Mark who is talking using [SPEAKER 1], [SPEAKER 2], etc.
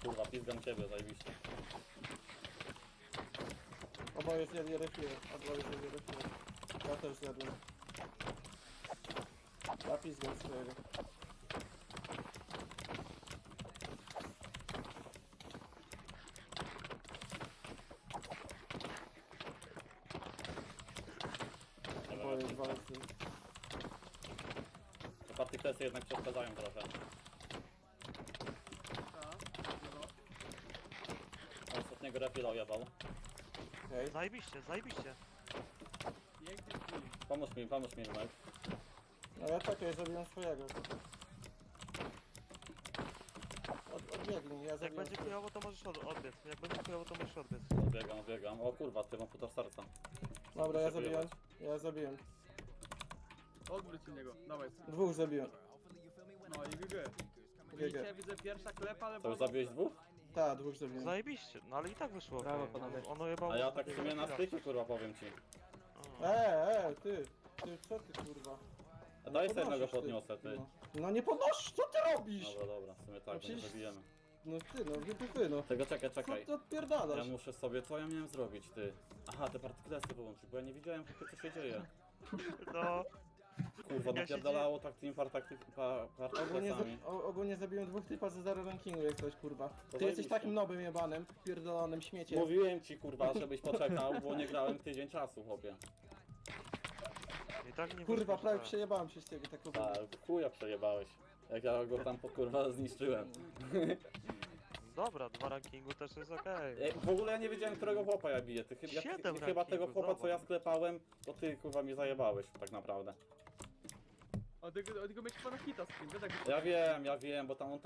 [SPEAKER 1] Kurwa, pizgam ciebie, zajebiście.
[SPEAKER 2] Oboje zjedli refile. Oboje zjedli refile. Ja też zjadłem. Ja pizgam swojego.
[SPEAKER 1] Nie
[SPEAKER 2] Oboje
[SPEAKER 1] wiem,
[SPEAKER 2] walczy.
[SPEAKER 1] te partyklesy jednak przeszkadzają trochę. Ostatniego refila ojebał.
[SPEAKER 2] Okej.
[SPEAKER 3] Zajebiście, zajebiście.
[SPEAKER 1] Pomóż mi, Numek.
[SPEAKER 2] No ja czekaj, zabiłem swojego. Odbiegnij, ja
[SPEAKER 3] Jak
[SPEAKER 2] zabiłem
[SPEAKER 3] będzie
[SPEAKER 2] swojego.
[SPEAKER 3] chujowo, to możesz odbiec. Jak będzie chujowo, to możesz odbiec.
[SPEAKER 1] Odbiegam. O kurwa, ty mam futor serca.
[SPEAKER 2] Dobra, ja
[SPEAKER 1] Muszę
[SPEAKER 2] zabiłem.
[SPEAKER 1] wyjebać.
[SPEAKER 2] Ja zabiłem.
[SPEAKER 4] Odwróć innego, dawaj.
[SPEAKER 2] Dwóch zabiłem.
[SPEAKER 4] No i GG. Widzicie, widzę pierwsza klepa, ale...
[SPEAKER 1] To już zabiłeś dwóch?
[SPEAKER 2] Tak, dwóch zabiłem.
[SPEAKER 3] Zajebiście, no ale i tak wyszło.
[SPEAKER 5] Brawo,
[SPEAKER 3] okej.
[SPEAKER 5] panowie.
[SPEAKER 3] Ono jebało.
[SPEAKER 1] A ja tak w sumie na styku, kurwa, powiem ci.
[SPEAKER 2] Ty, co ty kurwa?
[SPEAKER 1] A daj sobie
[SPEAKER 2] Podnosisz,
[SPEAKER 1] jednego podniosę, ty.
[SPEAKER 2] No nie podnosisz, co ty robisz?
[SPEAKER 1] Dobra, w sumie tak, nie
[SPEAKER 2] przecież-
[SPEAKER 1] zabijemy.
[SPEAKER 2] No ty, no wybuchy, no.
[SPEAKER 1] Tego czekaj.
[SPEAKER 2] Co ty odpierdalasz?
[SPEAKER 1] Ja muszę sobie, co ja miałem zrobić, ty? Aha, te partyklesy wyłączyć, bo ja nie widziałem, co się dzieje.
[SPEAKER 3] No,
[SPEAKER 1] Kurwa,
[SPEAKER 3] Ja się
[SPEAKER 1] napierdalało tak tymi partyklesami.
[SPEAKER 2] Ogólnie zabiłem dwóch typa za 0 rankingu jak coś, kurwa. Ty jesteś
[SPEAKER 1] zajebiście.
[SPEAKER 2] takim nobem jebanem, pierdolonym śmieciem.
[SPEAKER 1] Mówiłem ci, kurwa, żebyś poczekał, bo nie grałem tydzień czasu, chłopie.
[SPEAKER 3] i tak nie
[SPEAKER 2] Kurwa,
[SPEAKER 3] wyszło,
[SPEAKER 2] prawie
[SPEAKER 3] że-
[SPEAKER 2] przejebałem się z ciebie tak ogólnie.
[SPEAKER 1] Tak, chuja przejebałeś. Jak ja go tam, kurwa, zniszczyłem.
[SPEAKER 3] Dobra, 2 rankingu też jest okej.
[SPEAKER 1] W ogóle ja nie wiedziałem, którego chłopa ja biję. Ty chyba
[SPEAKER 3] 7
[SPEAKER 1] tego
[SPEAKER 3] rankingu,
[SPEAKER 1] chłopa, co ja
[SPEAKER 3] zobacz.
[SPEAKER 1] sklepałem, to ty, kurwa, mnie zajebałeś, tak naprawdę.
[SPEAKER 4] Od tego mieć pana hita z tym, wiesz, jak
[SPEAKER 1] Ja wiem, bo tam on